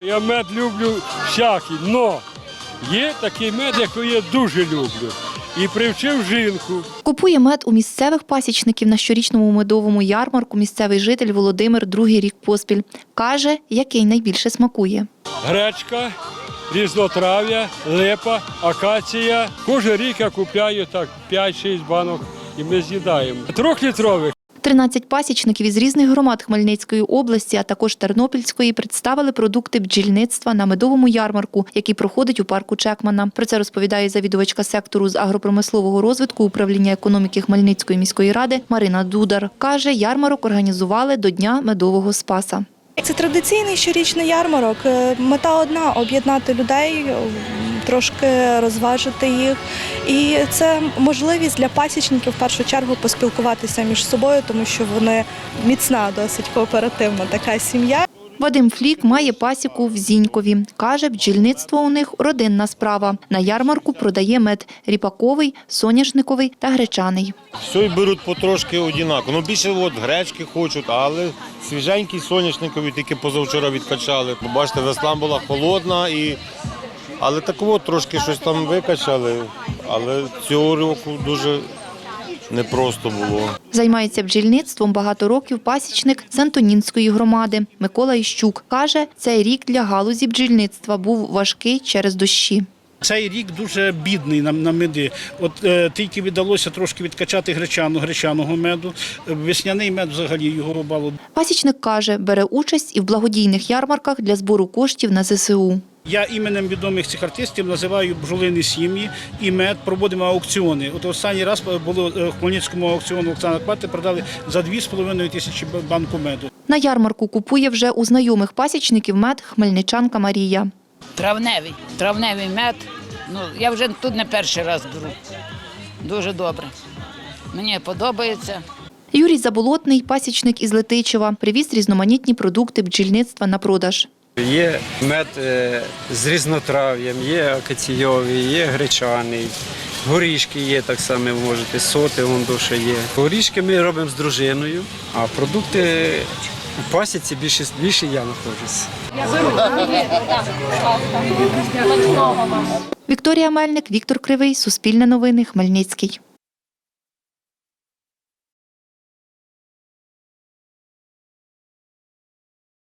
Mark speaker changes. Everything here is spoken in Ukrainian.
Speaker 1: Я мед люблю всякий, але є такий мед, який я дуже люблю. І привчив жінку.
Speaker 2: Купує мед у місцевих пасічників на щорічному медовому ярмарку місцевий житель Володимир другий рік поспіль. Каже, який найбільше смакує.
Speaker 1: Гречка, різнотрав'я, липа, акація. Кожен рік я купляю так 5-6 банок і ми з'їдаємо. 3-літрових.
Speaker 2: 13 пасічників із різних громад Хмельницької області, а також Тернопільської, представили продукти бджільництва на медовому ярмарку, який проходить у парку Чекмана. Про це розповідає завідувачка сектору з агропромислового розвитку управління економіки Хмельницької міської ради Марина Дудар. Каже, ярмарок організували до Дня медового спаса.
Speaker 3: Це традиційний щорічний ярмарок. Мета одна – об'єднати людей, трошки розважити їх. І це можливість для пасічників в першу чергу поспілкуватися між собою, тому що вони міцна, досить кооперативна така сім'я.
Speaker 2: Вадим Флік має пасіку в Зінькові. Каже, бджільництво у них – родинна справа. На ярмарку продає мед – ріпаковий, соняшниковий та гречаний.
Speaker 4: Все беруть потрошки однаково. Більше гречки хочуть, але свіженький соняшниковий тільки позавчора відкачали. Бачите, весна була холодна, але такого трошки щось там викачали. Але цього року дуже непросто було.
Speaker 2: Займається бджільництвом багато років пасічник з Антонінської громади Микола Іщук. Каже, цей рік для галузі бджільництва був важкий через дощі.
Speaker 5: Цей рік дуже бідний на меди. Тільки вдалося трошки відкачати гречаного меду. Весняний мед взагалі його рубало.
Speaker 2: Пасічник каже, бере участь і в благодійних ярмарках для збору коштів на ЗСУ.
Speaker 5: Я іменем відомих цих артистів називаю бджолині сім'ї і мед, проводимо аукціони. Останній раз було в Хмельницькому аукціону Оксана Квати, продали за 2,5 тисячі банку меду.
Speaker 2: На ярмарку купує вже у знайомих пасічників мед хмельничанка Марія.
Speaker 6: Травневий мед. Я вже тут не перший раз беру. Дуже добре. Мені подобається.
Speaker 2: Юрій Заболотний, пасічник із Летичева, привіз різноманітні продукти бджільництва на продаж.
Speaker 7: Є мед з різнотрав'ям, є акаційовий, є гречаний, горішки є так само, можете, соти ще є. Горішки ми робимо з дружиною, а продукти у пасіці більше я знаходжуся.
Speaker 2: Вікторія Мельник, Віктор Кривий, Суспільне новини, Хмельницький.